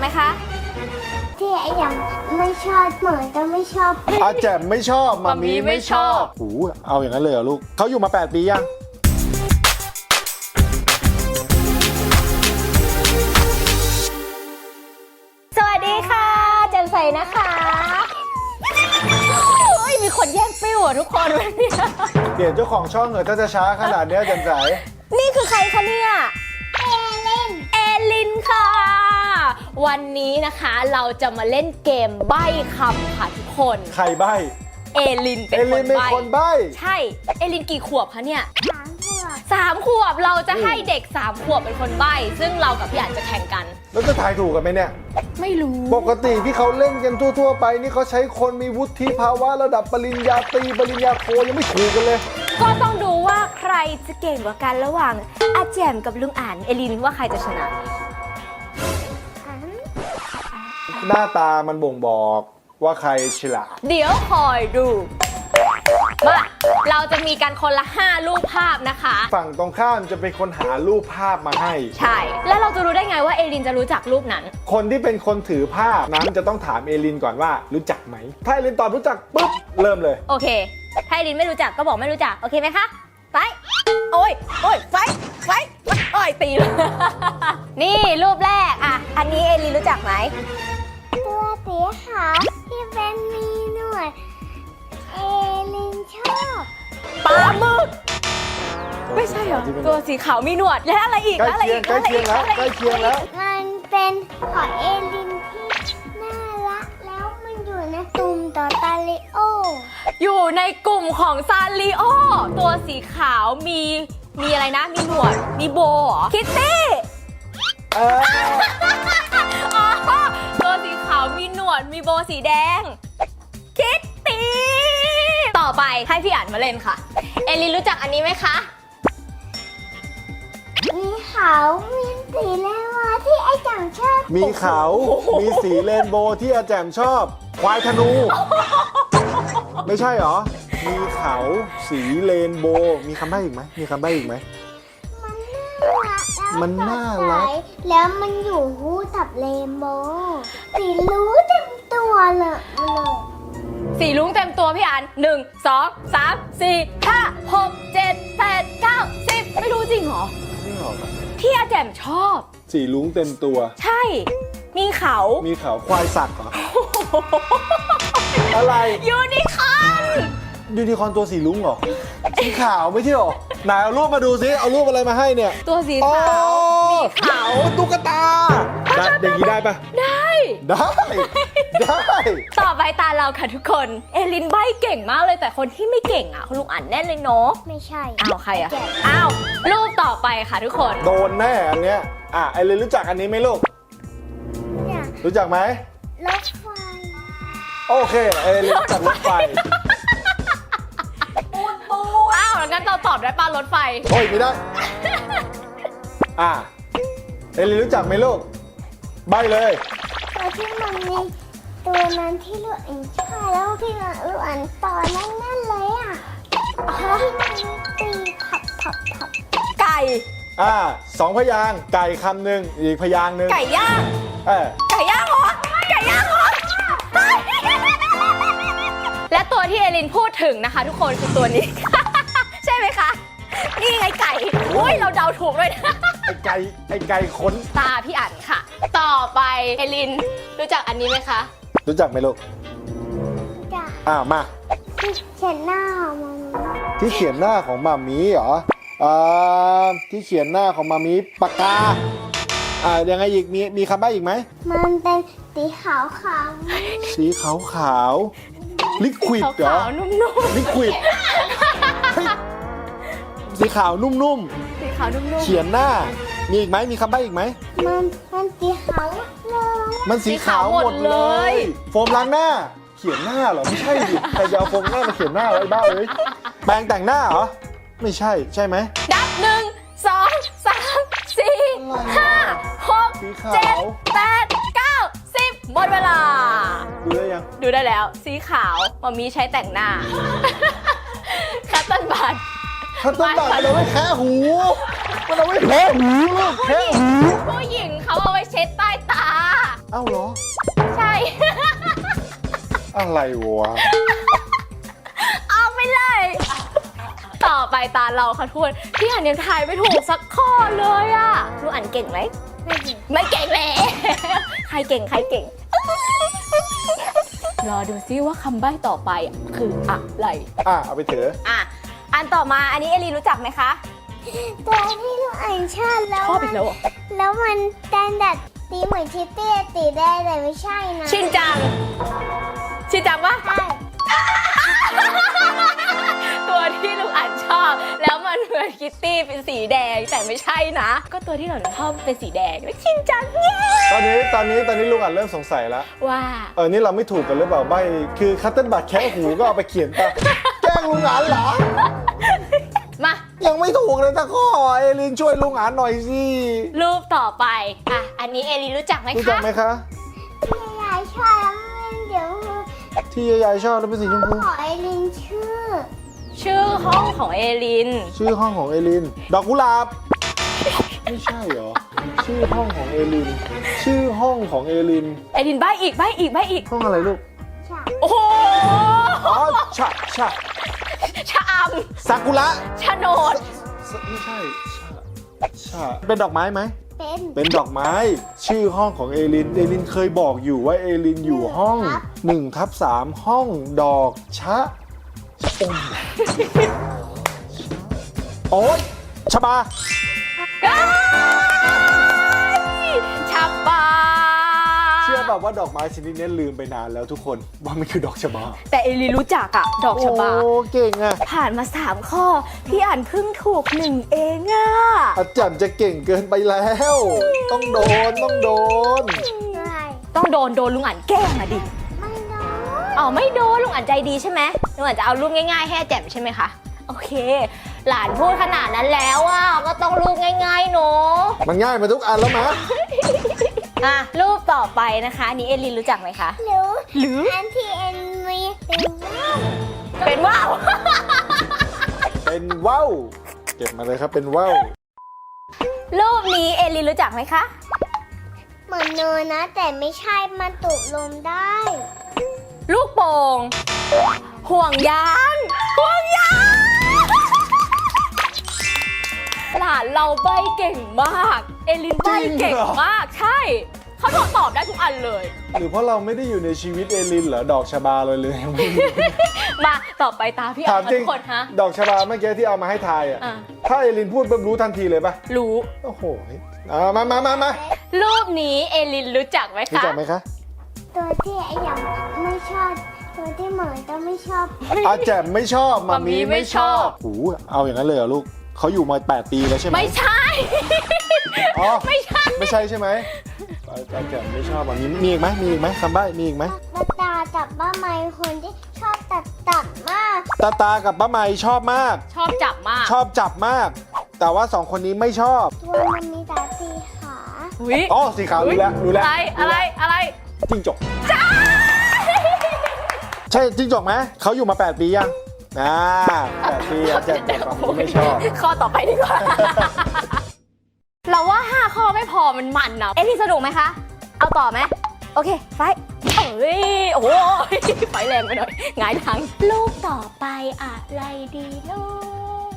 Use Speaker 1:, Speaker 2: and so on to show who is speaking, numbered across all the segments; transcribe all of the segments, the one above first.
Speaker 1: ไหมคะ
Speaker 2: ที่ไอ้ยังไม่ชอบเหมือนจะไม่ชอบ
Speaker 3: อาแจมไม่ชอบมามีไม่ชอบโอ้เอาอย่างนั้นเลยเหรอลูกเขาอยู่มา8 ปียัง
Speaker 1: สวัสดีค่ะแจ่มใสนะคะเฮ้ยมีคนแย่งปิ้วอ่ะทุกคนวันนี้
Speaker 3: เปลี่ยนเจ้าของช่องเหรอถ้าจะช้าขนาดนี้แจ่มใส
Speaker 1: นี่คือใครคะเนี่ยเอลินค่ะวันนี้นะคะเราจะมาเล่นเกมใบ้คำค่ะทุกคน
Speaker 3: ใครใบ้
Speaker 1: เอลินเป็นคนใบ้ใช่เอลินกี่ขวบคะเนี่ย3 ขวบเราจะให้เด็ก3 ขวบเป็นคนใบ้ซึ่งเรากับพี่อั๋นจะแข่งกัน
Speaker 3: แล้วจะทายถูกกันไหมเนี่ย
Speaker 1: ไม่รู้
Speaker 3: ปกติที่เขาเล่นกันทั่วๆไปนี่เขาใช้คนมีวุฒิภาวะระดับปริญญาตรีปริญญาโทยังไม่ถูกกันเลย
Speaker 1: ก็ต้องดูว่าใครจะเก่งกว่ากันระหว่างอาแจมกับลุงอ่านเอลินว่าใครจะชนะ
Speaker 3: หน้าตามันบ่งบอกว่าใครฉลาด
Speaker 1: เดี๋ยวคอยดูมาเราจะมีกันคนละ5 รูปภาพนะคะ
Speaker 3: ฝั่งตรงข้ามจะเป็นคนหารูปภาพมาให้
Speaker 1: ใช่แล้วเราจะรู้ได้ไงว่าเอลินจะรู้จักรูปนั้น
Speaker 3: คนที่เป็นคนถือภาพนั้นจะต้องถามเอลินก่อนว่ารู้จักไหมถ้าเอลินตอบรู้จักปุ๊บเริ่มเลย
Speaker 1: โอเคถ้าเอลินไม่รู้จักก็บอกไม่รู้จักโอเคไหมคะไปโอ้ยไฟโอ้ยตีเลยนี่รูปแรกอ่ะอันนี้เอลินรู้จักไหม
Speaker 2: ตัวสีขาวที่เป็นมีหนวดเอลินชอบ
Speaker 1: ปลาหมึกไม่ใช่เหรอตัวสีขาวมีหนวดแล้วอะไรอีก
Speaker 3: ใกล้เคียงแล้ว
Speaker 2: มันเป็นหอยเอลินที่น่ารักแล้วมันอยู่ในกลุ่มต่อตาลิโอ
Speaker 1: อยู่ในกลุ่มของซาริโอตัวสีขาวมีอะไรนะมีหนวดมีโบเหรอคิตตี้ตัวสีขาวมีหนวดมีโบสีแดงคิตตี้ต่อไปให้พี่อ่านมาเล่นค่ะเอลินรู้จักอันนี้ไหมคะ
Speaker 2: มีเขามีสีเรนโบว์ที่ไอ้แจ่มชอบ
Speaker 3: มีเขามีสีเรนโบว์ที่อาแจมชอบควายธนูไม่ใช่หรอมีเขาสีเรนโบว์มีคำใบ้อีกไหมมันน่ารัก
Speaker 2: แล้วมันอยู่คู่กับเรนโบว์สีรู้เต็มตัวเลย
Speaker 1: สีลุ้งเต็มตัวพี่อัน1 2 3 4 5 6 7 8 9 10ไม่รู้จริงเหรอที่อาแจมชอบ
Speaker 3: สีลุ้งเต็มตัว
Speaker 1: ใช่มีเขา
Speaker 3: ควายสักเหรอ อะไร
Speaker 1: ยูนิคอร์
Speaker 3: นตัวสีลุ้งเหรอสีขาวไม่ใช่หรอไหนเอารูปมาดูซิเอารูปอะไรมาให้เนี่ย
Speaker 1: ตัวสีขาวมีเขา
Speaker 3: ตุ๊กตาอย่างนี้ได้ปะ
Speaker 1: ได้ต่อไปตาเราค่ะทุกคนเอลินใบ้เก่งมากเลยแต่คนที่ไม่เก่งอ่ะคุณลุงอ่านแน่เลยเนาะ
Speaker 2: ไม่ใช่
Speaker 1: ใครอ่ะรูปต่อไปค่ะทุกคน
Speaker 3: โดนแน่อันเนี้ยไอลินรู้จักอันนี้ไหมลูกรู้จักไหม
Speaker 2: รถไฟ
Speaker 3: โอเคเอลินรู้จักรถไฟ
Speaker 1: งั้นเราตอบได้ป่ะรถไฟ
Speaker 3: โอ้ยไม่ได้เอลินรู้จักไหมลูกใบเลย
Speaker 2: ตัวที่มันมีตัวนั้นที่ลูกอันใช่แล้วที่ลูกอันตอนนั่นเลยที่มันตีผับ
Speaker 1: ไก่
Speaker 3: 2 พยางค์ไก่คำหนึ่งอีกพยางค์หนึ่ง
Speaker 1: ไก่ย่างไก่ย่างเหรอและตัวที่เอลินพูดถึงนะคะทุกคนคือตัวนี้ใช่ไหมคะนี่ไงไก่อุ้ยเราเดาถูกเลยนะ
Speaker 3: ไอ้ไก่ขน
Speaker 1: ตาพี่อั๋นค่ะต่อไปเอลินรู้จักอันนี้ไหมคะ
Speaker 3: รู้จักไหมลูก
Speaker 2: จัก
Speaker 3: มา
Speaker 2: ที่เขียนหน้าของมามี
Speaker 3: ที่เขียนหน้าของมามีเหรอที่เขียนหน้าของมามีปากกายังไงอีกมีคำใบ้อีกไหม
Speaker 2: มันเป็นสีขาว
Speaker 3: สีขาวลิควิดเหรอ
Speaker 1: นุ่ม
Speaker 3: ลิควิดสีขาวนุ่มเขียนหน้ามีอีกไหมมีคำใบ้อีกไหม
Speaker 2: มันสีขาวเลย
Speaker 3: มันสีขาวหมดเลยโฟมล้างหน้าเขียนหน้าเหรอไม่ใช่ดิใครจะเอาโฟมหน้ามาเขียนหน้าไว้บ้าเลยแปรงแต่งหน้าเหรอไม่ใช่ไหม
Speaker 1: นับ1 2 3 4 5 6 7 8 9 10หมดเวลา
Speaker 3: ดูได้ยัง
Speaker 1: ดูได้แล้วสีขาวมามีใช้แต่งหน้าคัตเติ้ลบัต
Speaker 3: เราไม่แค่หูมันเอาไว้แค่หู
Speaker 1: ผู้หญิงเขาเอาไว้เช็ดใต้ตา
Speaker 3: อ้าวเหรอ
Speaker 1: ใช่
Speaker 3: อะไรวะ
Speaker 1: เอาไปเลย ต่อไปตาเราค่ะทุกคนพี่อันยังทายไม่ถูกสักข้อเลยอะลูกอันเก่งไหม ไม่เก่งเลยใครเก่งใครเก่ง รอดูซิว่าคำใบ้ต่อไปคืออะไร
Speaker 3: เอาไปเถอะ
Speaker 1: อันต่อมาอันนี้เอลีรู้จักไหมคะ
Speaker 2: ตัวที่ลูกอันชอบแล้ว
Speaker 1: ชอบอีกแล้วเหรอ
Speaker 2: แล้วมันดัดตีเหมือนชิตตี้ตีได้แต่ไม่ใช่นะ
Speaker 1: ชินจัง ชินจังปะ
Speaker 2: ใช่
Speaker 1: ตัวที่ลูกอันชอบ แล้วมันเหมือนคิตตี้เป็นสีแดงแต่ไม่ใช่นะ ก็ตัวที่เราชอบเป็นสีแดงแล้วชินจังเย้
Speaker 3: ตอนนี้ลุงอัดเริ่มสงสัยแล้ว
Speaker 1: ว่า
Speaker 3: นี่เราไม่ถูกกันหรือเปล่าใบคือคัตเติ้ลบัตแค่หูก็เอาไปเขียนตาแกล้งลุงอันเหรอ
Speaker 1: มา
Speaker 3: ยังไม่ถูกเลยตะข้อเอลินช่วยลุงอันหน่อยสิ
Speaker 1: รูปต่อไปอันนี้เอลีรู้จักไหม
Speaker 3: รู้จัก
Speaker 1: คะ
Speaker 3: ไหมคะ
Speaker 2: ที่ยายชอบแล้วมันเดี๋ยว
Speaker 3: ที่ยายชอบแล้วเป็นสีชมพู
Speaker 2: ขอไอรินชื่อ
Speaker 1: ชื่อห้องของเอลิน
Speaker 3: ชื่อห้องของเอลิน ดอกกุหลาบ ไม่ใช่เหรอ ชื่อห้องของเอลิน ชื่อห้องของเอลิน
Speaker 1: เอลินใบอีก
Speaker 3: ห้องอะไรลูก
Speaker 2: ใช่
Speaker 1: โอ้โห
Speaker 3: อ๋อชะ
Speaker 1: ชะอ
Speaker 3: ซากุระ
Speaker 1: ำชะโนด
Speaker 3: ไม่ใช่ชะเป็นดอกไม้ไหม
Speaker 2: เป็น
Speaker 3: เป็นดอกไม้ ชื่อห้องของเอลิน เอลินเคยบอกอยู่ว่าเอลินอยู่ห้อง1/3ห้องดอกชะอมโอ๊ยชะบา
Speaker 1: ชับบา
Speaker 3: เชื่อแบบว่าดอกไม้ชนิดนี้ลืมไปนานแล้วทุกคนว่ามันคือดอกชะบา
Speaker 1: แต่เอลินรู้จักดอกชะบา
Speaker 3: โอ้เก่งอะ
Speaker 1: ผ่านมา 3 ข้อ พี่อ่านเพิ่งถูก 1 เอง
Speaker 3: อาจารย์จะเก่งเกินไปแล้ว ต้องโดน
Speaker 2: ใช่
Speaker 1: ต้องโดนลุงอ่านแกล้งดิ
Speaker 2: ไม่น้อย
Speaker 1: ไม่โดนลุงอ่านใจดีใช่ไหมลุงอ่านจะเอารูปง่ายๆให้อาแจ่มใช่ไหมคะ โอเค หลานพูดขนาดนั้นแล้วก็ต้องรูปง่ายๆเนาะ
Speaker 3: มันง่ายมาทุกอันแล้วมะ
Speaker 1: รูปต่อไปนะคะอันนี้เอลินรู้จักไหมคะ
Speaker 2: หรือ
Speaker 1: หรือ
Speaker 2: อันที่เอ็นมี
Speaker 1: เป็น
Speaker 2: เป็นว่าว
Speaker 1: ว่าว
Speaker 3: เป็นว่าวเก็บมาเลยครับเป็นว่าว
Speaker 1: รูปนี้เอลินรู้จักไหมคะ
Speaker 2: เหมือนเนยนะ แต่ไม่ใช่มันตุกลมได้
Speaker 1: ลูกโป่งห่วงยางหลานเราใบเก่งมาก เอลินใบเก่งมากใช่เขาตอบได้ทุกอันเลย
Speaker 3: หรือเพราะเราไม่ได้อยู่ในชีวิตเอลินเหรอดอกชะบาเลย
Speaker 1: มาต่อไปตาพี่
Speaker 3: ถา
Speaker 1: อ่าม น
Speaker 3: จริง
Speaker 1: ทุกคนฮะ
Speaker 3: ดอกชะบาเมื่อกี้ที่เอามาให้ทายถ้าเอลินพูดปุ๊บรู้ทันทีเลยปะ
Speaker 1: รู้
Speaker 3: โอ้โหมา
Speaker 1: รูปนี้เอลินรู้จักไหม
Speaker 3: รู้
Speaker 1: คะ
Speaker 3: จักไหมคะ
Speaker 2: ตัวที่ไอ้ยังไม่ชอบ ตัวที่เหมือนก็ไม่ชอบ
Speaker 3: อาแจมไม่ชอบมามีไม่ชอบโอ้โหเอาอย่างนั้นเลยเหรอลูกเขาอยู่มา8 ปีแล้วใช่ไหม
Speaker 1: ไม่ใช่
Speaker 3: อ๋อ
Speaker 1: ไม่ใช่
Speaker 3: ไม่ใช่ใช่ไหมอาแจมไม่ชอบมามีอีกไหมคำใบ้มีอีกไหม
Speaker 2: ตาจับบ้าไม้คนที่ชอบตัดมาก
Speaker 3: ตากับป้าไมชอบมาก
Speaker 1: ชอบจับมาก
Speaker 3: ชอบจับมาก แต่ว่า2คนนี้ไม่ชอบ
Speaker 2: ตัวมันมีตาสีขา
Speaker 3: อ๋อสีขาวรู้แล้ว
Speaker 1: อะไร
Speaker 3: จิ้งจกใช่จิ้งจกไหมเขาอยู่มา8 ปียัง8 ปีอาแจมกับป้าไม่ชอบ
Speaker 1: ข้อต่อไปดีกว่า เราว่า5 ข้อไม่พอมันนะเอ๊ะพี่สนุกไหมคะ เอาต่อไหมโอเคไฟโอ้โหไฟแรงไปหน่อยหงายหลังรูปต่อไปอะไรดีลูก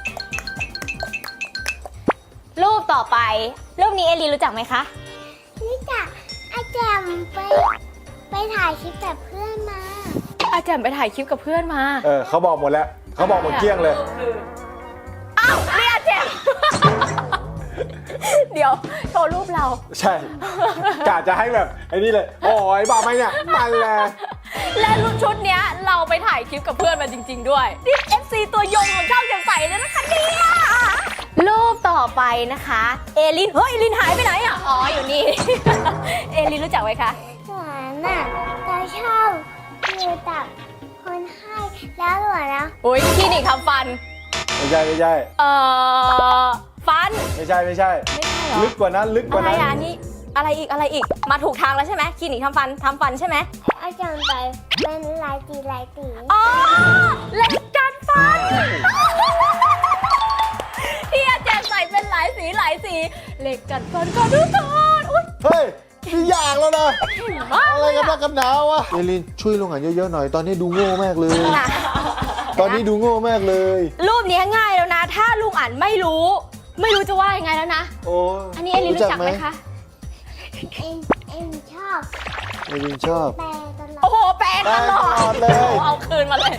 Speaker 1: รูปต่อไปรูปนี้เอลีรู้จักไหมคะ
Speaker 2: นี่จ้ะอาแจมไปถ่ายคลิปกับเพื่อนมา
Speaker 1: อาจารย์ไปถ่ายคลิปกับเพื่อนมา
Speaker 3: เขาบอกหมดแล้วเขาบอกหมดเกลี้ยงเลย
Speaker 1: อ้าวเรียกเจม เดี๋ยวโชว์รูปเรา
Speaker 3: ใช่กะจะให้แบบไอ้นี่เลยโอ้ยบ้าไหมเนี่ยมันแหละ
Speaker 1: และรูปชุดเนี้ยเราไปถ่ายคลิปกับเพื่อนมาจริง ๆ ด้วยนี่ FC ตัวยงของเจ้าแจ่มใสเลยนะคะเนี่ยรูปต่อไปนะคะเอลินเฮ้ยเอลินหายไปไหนอ๋ออยู่นี่ เอลินรู้จักไหมคะ
Speaker 2: หวานน่ะตาชอบอยู่ตับคนให้แล้วหวานนะ
Speaker 1: โอ้ยคลินิกทำฟัน
Speaker 3: ไม่ใช่
Speaker 1: ฟัน
Speaker 3: ไม่ใช่
Speaker 1: ไม่ใช่เหรอ
Speaker 3: ลึกกว่านั้นลึกก
Speaker 1: อะ
Speaker 3: ว่า
Speaker 1: ไร
Speaker 3: นั้น
Speaker 1: อันนี้อะไรอีกมาถูกทางแล้วใช่ไหมคลินิกทำฟันใช่ไหม
Speaker 2: อาจารย์ไปเป็นลายตี
Speaker 1: อ๋อเหล็กกัดฟัน ที่อาจารย์ใส่เป็นหลายสีเหล็กกัดฟันก็ทุกคนอุ๊ย
Speaker 3: เฮ้ยนี่ยาางแล้วนะ
Speaker 1: มาก
Speaker 3: อะไรกันนักกันหนาวะเอลินช่วยลุงอันเยอะๆหน่อยตอนนี้ดูโง่มากเลย
Speaker 1: นะ
Speaker 3: ตอนนี้ดูโง่มากเลย
Speaker 1: รูปนี้ง่ายแล้วนะ ถ้าลุงอ่านไม่รู้ ไม่รู้จะว่ายังไงแล้วนะ
Speaker 3: โอ้
Speaker 1: อันนี้เอลินรู้จักไหมคะ
Speaker 2: เอ็มชอบ
Speaker 3: เอลินชอบ
Speaker 2: แปลตลอ
Speaker 1: โอ้
Speaker 2: ด
Speaker 1: โห แปลตลอ
Speaker 3: แปลตลอ
Speaker 1: ด
Speaker 3: ดเลย
Speaker 1: เอาคืนมาเลย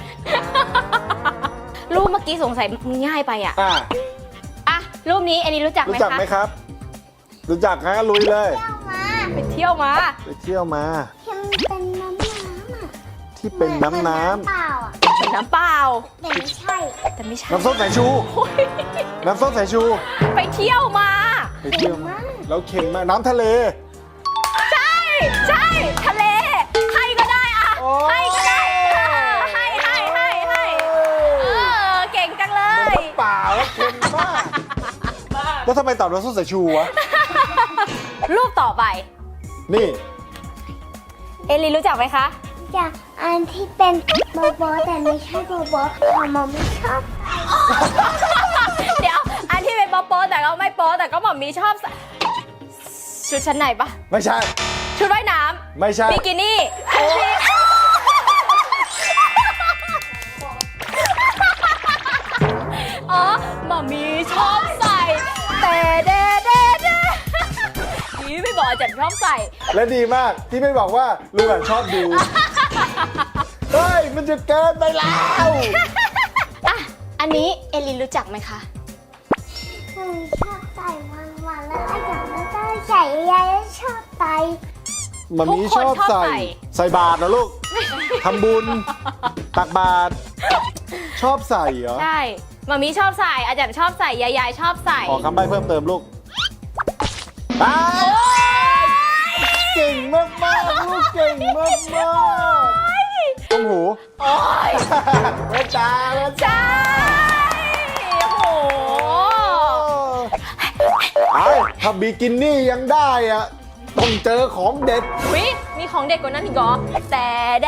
Speaker 1: รูปเมื่อกี้สงสัยง่ายไปอ่ะ
Speaker 3: อ่ะ
Speaker 1: อ่ะ รูปนี้เอลินรู้จักไหม
Speaker 3: รู้จัก
Speaker 1: คะ
Speaker 3: ไหมครับ รู้จักงั้นลุยเลย
Speaker 2: เจ้ามา
Speaker 1: ไปเที่ยวมา
Speaker 3: ไปเที่ยวมา
Speaker 2: ที่มันเป็นน้ำอ่ะ
Speaker 3: ที่เป็นน้ำน้
Speaker 2: เปล่าอ่ะ
Speaker 1: เหมือนน้ำเปล่า
Speaker 2: แต่ไม่ใช่
Speaker 1: แต่ไม่ใช่
Speaker 3: ำน้ำส้มสายชู
Speaker 1: โอ้ย
Speaker 3: น้ำส้มสายชู
Speaker 1: ไปเที่ยวมา
Speaker 3: ไปเที่ยวมาแล้วเค็มมากน้ำทะเล
Speaker 1: ใช่ ใช่ ทะเล ให้ก็ได้อะ
Speaker 3: โอ้
Speaker 1: ให้ก็ได้ให้เก่งจังเลย
Speaker 3: น้ำเปล่าแล้วเค็มมากแล้วทำไมตอบน้ำส้มสายชูวะ
Speaker 1: รูปต่อไป
Speaker 3: นี่
Speaker 1: เอลินรู้จักไหมคะ
Speaker 2: จากอันที่เป็นโบโบแต่ไม่ใช่โบโบทำมาไม่ชอบ
Speaker 1: เดี๋ยว อันที่เป็นโป๊ะแต่ก็ไม่โป๊ะแต่ก็หมอมีชอบใส่ชุดชั้นในปะ
Speaker 3: ไม่ใช่
Speaker 1: ชุดว่ายน้
Speaker 3: ไม่ใช่
Speaker 1: ำบิกินี่อันที่อ๋อหมอมีชอบใส่แต่เดนี่ไม่บอกอาจารย์ชอบใส่
Speaker 3: และดีมากที่ไม่บอกว่าลุงอ่ะชอบดู เฮ้ย มันจะเกินไปแล้ว
Speaker 1: อ่ะ อันนี้เอลินรู้จักไหมคะ
Speaker 2: หนูชอบใส่วันๆแล้วก็อยากแล้วก็ใส่ยายแล้วชอบใส่
Speaker 3: มันมีชอบใส่ ใส่บาตรนะลูก ทำบุญ ตักบาตร ชอบใส่เหรอ
Speaker 1: ใช่หมามีชอบใส่ อาจารย์ชอบใส่ ยายชอบใส่
Speaker 3: ขอคำใบ้เพิ่มเติมลูกไปเก่งมากๆลูกเก่งมากๆต้มหู
Speaker 1: โอ้ย
Speaker 3: แม่จ้าแม่จ้า
Speaker 1: ใช่โอ้โห
Speaker 3: ไอ้ถ้าบิกินี่ยังได้อะต้องเจอของเด็ด
Speaker 1: วิมีของเด็กกว่านั้นอีกเหรอแต่เด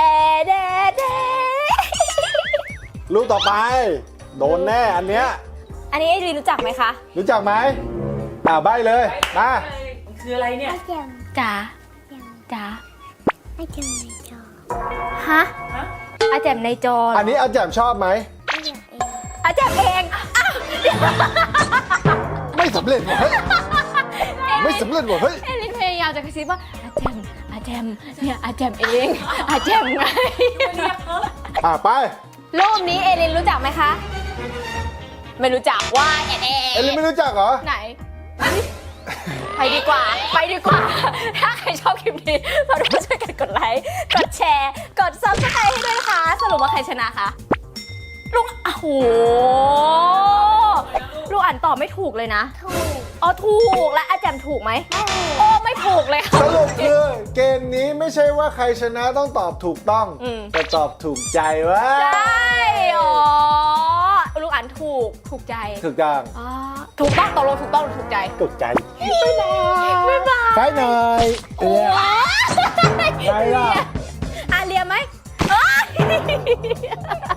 Speaker 3: ลูกต่อไป โดนแน่อันเนี้ย
Speaker 1: อันนี้เอลินรู้จักไหมคะ
Speaker 3: รู้จักไหมใบ้เลยมา
Speaker 4: คืออะไรเนี่ย
Speaker 2: ไอ้เจม
Speaker 1: จ๋า
Speaker 2: เจม
Speaker 1: จ๋า
Speaker 2: ไอ้เจมในจอ
Speaker 1: ฮะอาแจมในจอ
Speaker 3: อันนี้อาแจมชอบไหม
Speaker 2: ไอ้เจมเอง
Speaker 1: อาแจมเองอ้าวเดี๋ยว
Speaker 3: ไม่สำเร็จว่ะเฮ้ยไม่สำเร็จว่ะเฮ้ย
Speaker 1: เอลินพยายามจะกระซิบว่าอาแจมเนี่ยอาแจมเองอาแจมไง
Speaker 3: ไป
Speaker 1: รูปนี้เอลินรู้จักไหมคะ ไม่รู้จักว่าแอน
Speaker 3: เอลินไม่รู้จักเหรอ
Speaker 1: ไหน ไปดีกว่า ไปดีกว่า ถ้าใครชอบคลิปนี้มาดูช่วยกันกดไลค์ กดแชร์ กด subscribe ให้ด้วยนะคะ สรุปว่าใครชนะคะลูกโอ้โหลูกอ่านตอบไม่ถูกเลยนะ
Speaker 2: ถูก
Speaker 1: อ๋อถูกและอาแจมถูกไหมโอ้ไม่ถูกเลยค่ะ
Speaker 3: สรุปคือเกมนี้ไม่ใช่ว่าใครชนะต้องตอบถูกต้อง
Speaker 1: อืม
Speaker 3: แต่ตอบถูกใจวะ
Speaker 1: ใช่อ๋อลูกอ่านถูกใจ
Speaker 3: ถูกต้อง
Speaker 1: อ๋อถูกต้องตกลงถูกต้องหรือถูกใจ
Speaker 3: ถูกใจ
Speaker 1: บ๊ายบาย
Speaker 3: ไปหน่อย
Speaker 1: โอ้ย
Speaker 3: ไปล่ะ
Speaker 1: อ่ะเรียนไหมเอ้ย